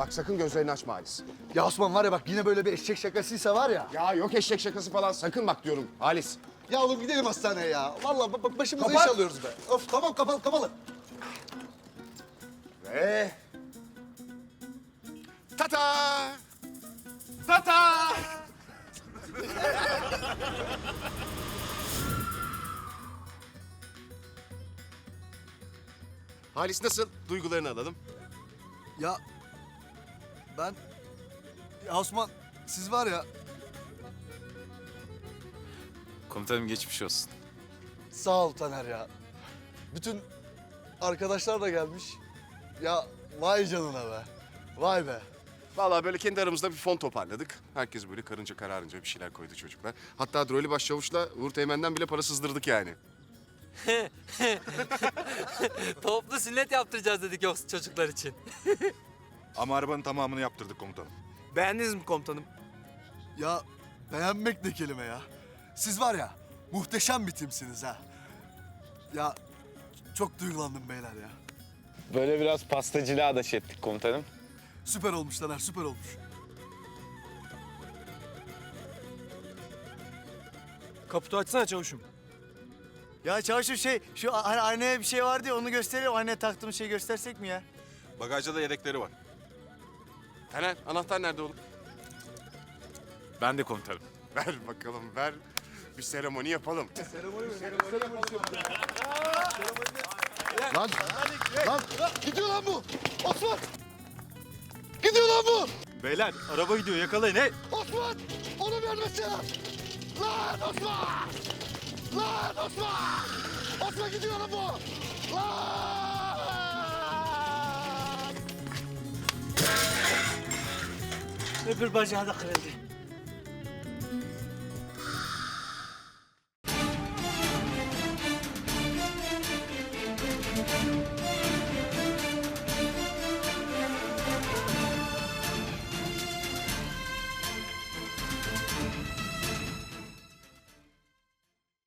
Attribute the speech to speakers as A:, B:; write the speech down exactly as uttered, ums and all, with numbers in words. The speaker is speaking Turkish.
A: Bak sakın gözlerini açma Halis.
B: Ya Osman var ya bak yine böyle bir eşek şakasıysa var ya.
A: Ya yok eşek şakası falan sakın bak diyorum Halis.
B: Ya oğlum gidelim hastaneye ya. Vallahi bak başımıza
A: Kapat.
B: iş alıyoruz be. Of tamam kapalı kapalı.
A: Ve... Tata! Tata! Halis nasıl? Duygularını alalım.
B: Ya ben... Ya Osman siz var ya
C: Komutanım geçmiş olsun.
B: sağ ol Taner ya. Bütün arkadaşlar da gelmiş. Ya vay canına be. Vay be.
A: Vallahi böyle kendi aramızda bir fon toparladık. Herkes böyle karınca kararınca bir şeyler koydu çocuklar. Hatta Droli Başçavuş'la Uğur Teğmen'den bile para sızdırdık yani.
D: Toplu sünnet yaptıracağız dedik yoksa çocuklar için.
E: Ama arabanın tamamını yaptırdık komutanım.
D: Beğendiniz mi komutanım?
B: Ya beğenmek ne kelime ya. Siz var ya muhteşem bir timsiniz ha. Ya çok duygulandım beyler ya.
C: Böyle biraz pastacılığa da şey ettik komutanım.
B: Süper olmuş Taner, süper olmuş.
D: Kaputu açsana çavuşum.
F: Ya çavuşum şey, şu hani aynaya bir şey vardı ya onu gösterelim. Aynaya taktığımız şeyi göstersek mi ya?
E: Bagajda da yedekleri var.
A: Taner anahtar nerede oğlum?
C: Ben de komutanım.
A: Ver bakalım ver. Bir seremoni yapalım.
B: Lan, lan gidiyor lan bu. Osman. Gidiyor lan bu.
E: Beyler araba gidiyor yakalayın hey.
B: Osman. Onu vermesene. Lan Osman. Lan Osman. Osman gidiyor lan bu. Lan.
F: Öbür bacağı da kırıldı.